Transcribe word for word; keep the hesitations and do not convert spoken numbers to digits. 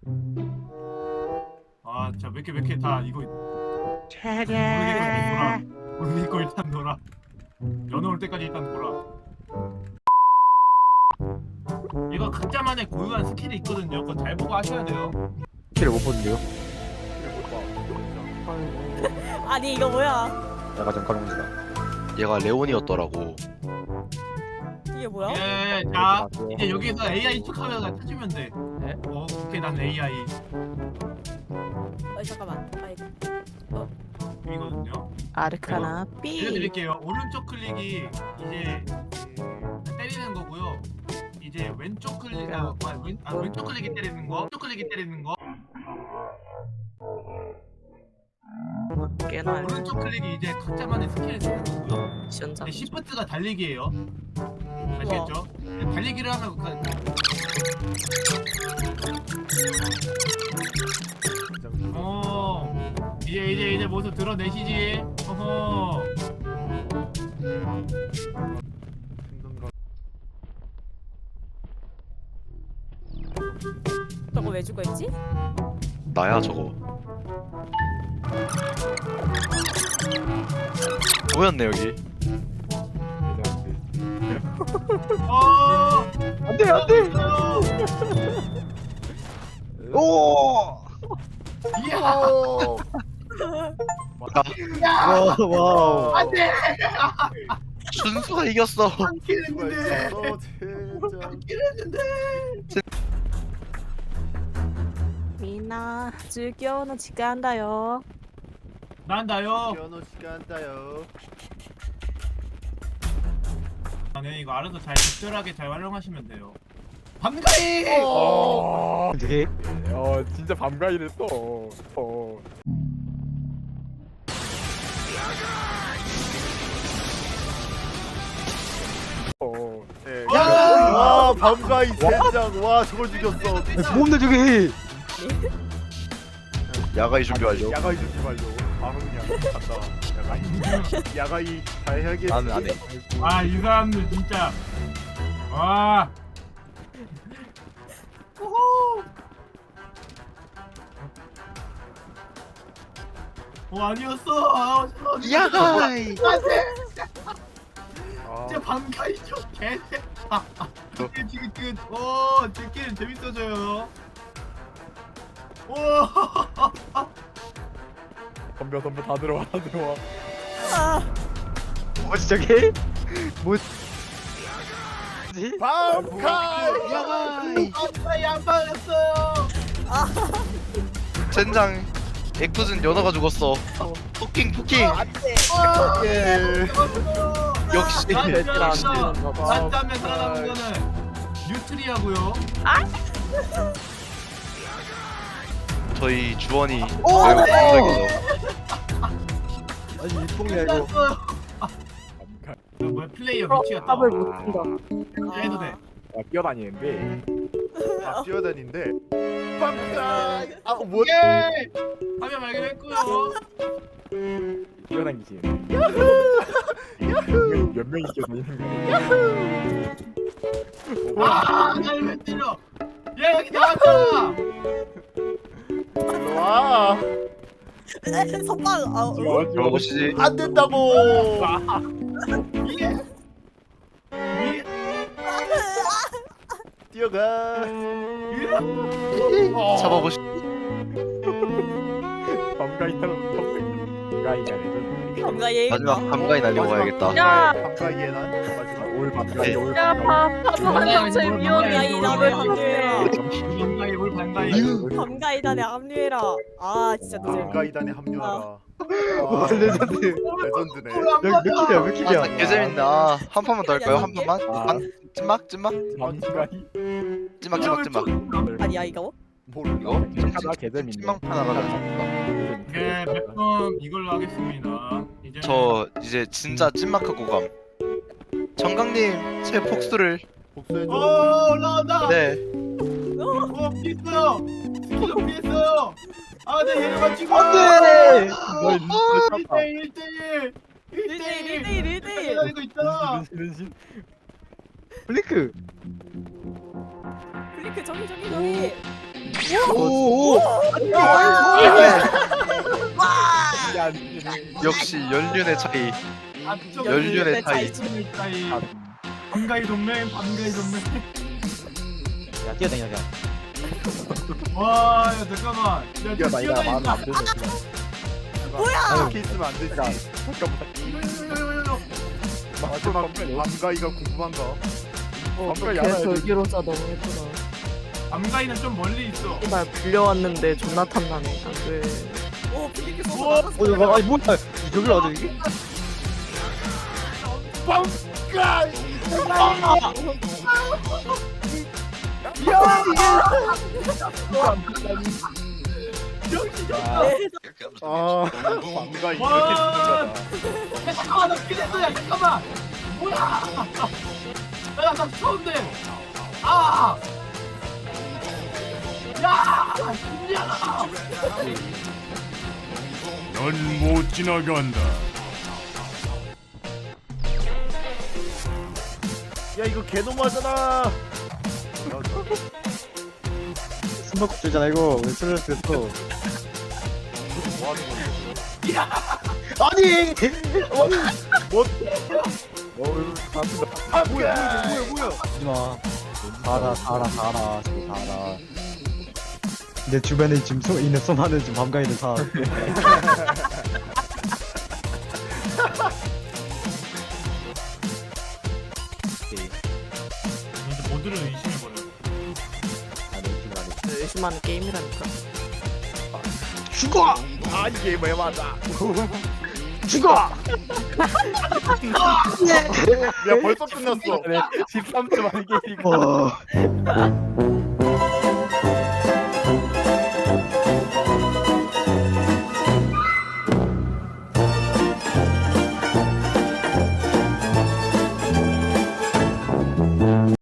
아, 자, 몇 개, 몇 개 다 이거 모르겠고 일단 놀아. 모르겠고 일단 놀아. 연어 올 때까지 일단 놀아. 이거 각자만의 고유한 스킬이 있거든요. 그거 잘 보고 하셔야 돼요. 키를 못 보는데요? 아니 이거 뭐야? 내가 좀 가능합니다. 얘가 레온이었더라고. 이게 뭐야? 예, 자, 이제 여기서 에이아이 척하면 찾으면 돼. 네? 어, 오케이, 난 에이아이 어 잠깐만. 아 이거. 이거든요. 아르카나 B. 알려드릴게요. 오른쪽 클릭이 이제 때리는 거고요. 이제 왼쪽 클릭, 아, 아, 왼, 아 왼쪽 클릭이 때리는 거, 왼쪽 클릭이 때리는 거. 꽤나 오른쪽 클릭이 이제 각자만의 스킬을 쓰는 거고요. 시원자. 이제 시프트가 달리기예요. 아시겠죠? 달리기를 하면 그 어 이제 이제 이제 모습 드러내시지. 어허. 저거 왜 죽어 있지? 나야 저거. 뭐였네 여기. 어. 안돼 안돼. 오. 이야. 와, 와우. 안돼. 준수가 이겼어. 한 킬했는데. 진짜. 한 킬했는데. 미나 즐겨는 지가 한다요. 난다요. 피아노 시간 따요. 네, 이거 알아서 잘 적절하게 잘 활용하시면 돼요. 반가이. 어. 네. 어 진짜 밤가이를 써. 어. 어. 네. 야! 와 밤가이 젠장. 와 저걸 죽였어. 뭔데 저게? 야가이 준비 완료. 야가이 준비 완료. 바로 그냥 간다. 야가이. 야가이 잘 해야겠지. 나는 안 해. 아, 이 사람들 진짜. 와. 호호. 어, 아니었어. 아, 어떡해. 야가이. 아, 진짜 반가이죠. 개. 아, 아. 지금 지금 지금 어, 제 게임 재밌어져요. 오. 덤벼 덤벼 다 들어와 다 들어와. 아, 뭐지 저게? 뭐지? 밤가이. 야가이. 아빠 양반했어요. 젠장. 액투진 연어가 죽었어. 토킹 토킹. 예. 역시. 난자면 살아남은 거는 뉴트리아고요. 저희 주원이 오, 매우 네. 감동이죠. 아니 이 똥이야 이거. 밤가이. 그 뭐야 플레이어 위치가 또 못 튼다. 해도 돼. 아, 뛰어다니는데. 아 뛰어다니는데. 밤가이. 아 뭐? 예! 화면 발견했고요. 뛰어다니지. 몇, 몇 명이 뛰어다니는 거야? 아, 날 왜 때려? 야, 여기 나왔잖아. 일로 와. 선방. 아, 어? 들어보시지. 안 된다고. 이게 이게 뛰어가. 잡아보시. 밤가이처럼 밤가이가 레전드. 뭔가 얘. 마지막 감가이 날리고 가야겠다. 야! 밤가이에 난 마지막. 올 밤가이 네. 올 야, 밤가이. 밥 파도한 정체 위험이야 이 남을 합류해라. 반가이 뭘 반가이. 밤가이단에 합류해라. 아 진짜 노잼. 밤가이단에 합류하라. 와 레전드. 레전드네. 여기 몇 킬이야 몇 킬이야? 아, 개재밌네. 아, 한 판만 더 할까요? 한 판만? 아. 한 찐막 찐막 밤가이. 찐막 찐막 찐막. 아니야 이거? 모르. 이거 하나 개재밌네. 찐막 하나 가자. 네, 몇번 이걸로 하겠습니다. 이제 저 이제 진짜 찐막하고 감. 정강님 제 복수를. 복수해줘. 오, 올라온다. 네. 오, 피했어요. 스킬로 피했어요. 아, 네, 얘를 맞추고. 안돼. 너 진짜 일 대 일. 일 대 일. 일 대 일, 일 대 일. 기다리고 있잖아. 싫은 신. 블링크. 블링크 저기 저기 저기. 오오. 역시 연륜의 차이. 안쪽 연륜의 차이. 차이. 반가이 동맹, 반가이 동맹. 야 뛰어다녀 야. 와, 야 잠깐만. 야, 야, 저 나 이거 마음에 안 뛰어다닌다. 드네. 그냥. 뭐야? 이렇게 있으면 안 되지. 잠깐만. 요요요요요. 마지막 밤가이가 궁금한가? 어, 걔 알아야 돼. 절기로자 너무 예쁘다. 밤가이는 좀 멀리 있어. 날 불려왔는데 존나 탐나네. 안 돼. 오 비행기 쏘고 우와. 나갔어. 어 이거 아니 뭐야? 저기로 와줘 이게? 아 밤가이 이렇게 와. 죽는 야 잠깐만, 나 기대했어. 잠깐만. 뭐야? 야, 나 추운데. 아. 야, 신기하다. 넌 못 지나간다. 야 이거 개놈하잖아. 숨바꼭질 잖아 이거 왜 술을 됐어? 뭐 하는 건데? 아니. 어우, 감사합니다. 아 뭐야 뭐야 뭐야 뭐야. 하지마. 살아 살아 살아 저기 살아. 내 주변에 지금 소, 있는 수많은 지금 밤가이들 다. 오케이. 먼저 모두를 의심해버려. 아, 내 지금 안에. 의심하는 게임이라니까. 죽어! 아 이게 왜 맞아? 죽어! 야 벌써 끝났어. 십삼 초 만에 이거. 어.